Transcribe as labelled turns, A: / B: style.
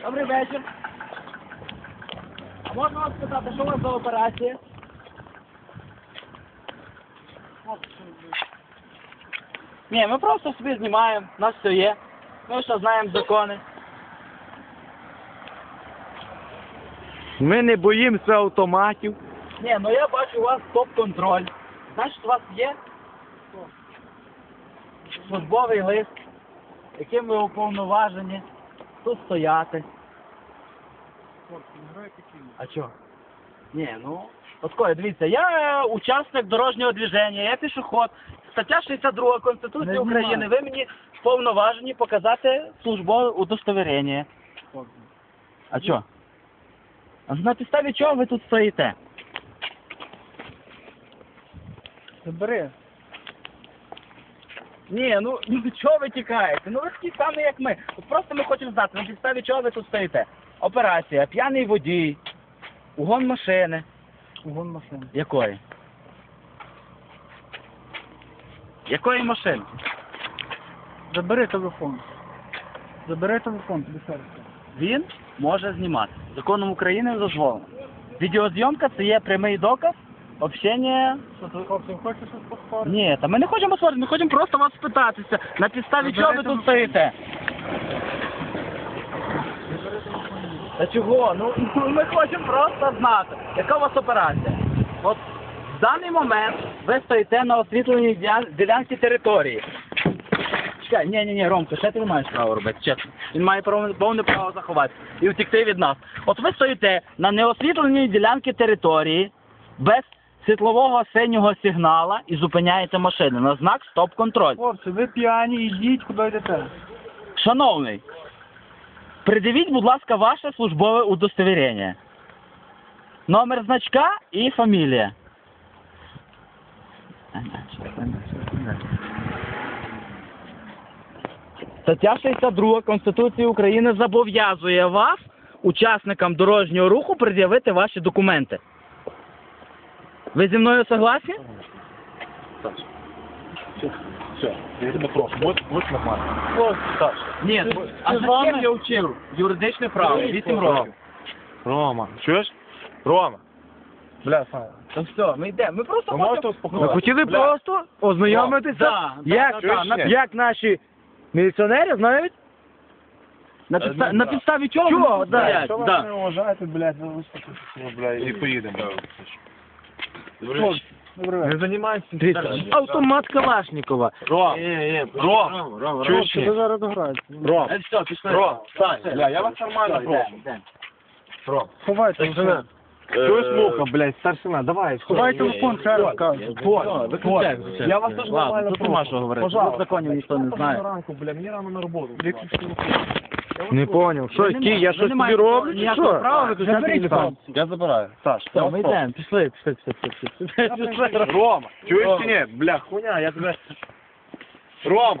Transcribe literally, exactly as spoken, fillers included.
A: Добрий вечір. А можна вас спитати, що у вас за операція? Ні, ми просто собі знімаємо, у нас все є. Ми що знаємо закони.
B: Ми не боїмося автоматів.
A: Ні, ну я бачу у вас топ-контроль. Значить, у вас є службовий лист, яким ви уповноважені тут стояти. А чого? Ні, ну, от дивіться, я учасник дорожнього движення, я пішоход. Стаття шістдесят друга Конституції
B: Не
A: України,
B: знімаю.
A: ви мені вповноважені показати службове удостоверення. А чого? А на підставі чого ви тут стоїте?
B: Забери.
A: Ні, ну, ну чого ви тікаєте? Ну ви такі самі, як ми. От просто ми хочемо знати, на підставі чого ви тут стоїте. Операція, п'яний водій, угон машини.
B: Угон машини.
A: Якої? Якої машини?
B: Забери телефон. Забери телефон, тобі серце.
A: Він може знімати. Законом України дозволено. Відеозйомка це є прямий доказ общення.
B: Хлопці, хочеш щось поспорити?
A: Ні, та ми не хочемо спорити, ми хочемо просто вас спитатися, на підставі
B: Заберете
A: чого ви тут
B: телефон.
A: стоїте. Та чого? Ну, ну, ми хочемо просто знати, яка у вас операція. От в даний момент ви стоїте на освітленій діля- ділянці території. Чекай, ні, ні, ні, Ромко, ще ти не маєш права робити, чесно. Він має право- повне право заховати і втекти від нас. От ви стоїте на неосвітленій ділянці території без світлового синього сигнала і зупиняєте машини на знак стоп-контроль.
B: Хлопці, ви п'яні, йдіть, куди йдете.
A: Шановний, придивіть, будь ласка, ваше службове удостоверення. Номер значка і фамілія. Стаття шістдесят друга Конституції України зобов'язує вас, учасникам дорожнього руху, пред'явити ваші документи. Ви зі мною согласні?
C: Все, я тебе прошу, будь, будь нормально. Саша.
A: Ні, а
B: ти
A: за
B: з вами?
A: ким я вчив? Юридичне право, вісім років.
C: Рома, чуєш? Рома. Бля, Саня.
A: Та все, ми йдемо. Ми просто
C: Ви можете
A: хочемо...
B: Ми
C: успокоїтися?
B: хотіли
C: Бля.
B: просто ознайомитися,
A: Да, да,
B: як,
A: да,
C: чуєш,
A: да,
C: ні?
A: на,
B: як наші міліціонери знають,
A: на,
C: Е,
A: підста...
C: ну,
A: на
C: да.
A: підставі чого
B: Чого,
A: вони тут
B: да,
A: стоять?
C: Якщо ви
A: Да.
C: мене вважаєте, блядь, ви виступите, бля, і поїдемо.
B: Хлопці, добрий вечір.
C: Не займайтеся.
B: Дивіться, автомат Калашникова.
C: Ром, Ром, чуєш?
B: Хлопці, ви зараз дограєте.
C: Ром,
A: Е, все, пішли.
C: Ром, Сань,
A: Все,
C: бля, я вас
A: все,
C: нормально
A: йдемо,
C: прошу.
A: йдемо.
C: Ром.
B: Ховайте
C: Так,
B: телефон.
C: Чуєш, муха, блядь, старшина, давай.
B: Ховай телефон, ще раз кажу.
C: Вот,
A: виключай,
C: вот.
A: виключай.
C: Я вас теж
A: Ладно,
C: нормально
A: тут нема що говорити.
C: Пожалуйста.
A: Тут законів ніхто не знає.
C: Ранку, бля, мені рано на роботу.
B: Не поняв. Що,
A: Ви
B: які,
A: не
B: я
A: маєте-
B: щось
A: ви не
B: тобі
A: маєте
B: роблю, чи
A: ніякого
B: що?
A: права виключати
B: Заберіть
A: телефон.
B: телефон.
C: Я забираю. Саш,
A: Все, ми йдемо, пішли, пішли, пішли, пішли, пішли. Пішли.
C: Рома, чуєш чи ні? Бля, хуйня, я тебе... Рома!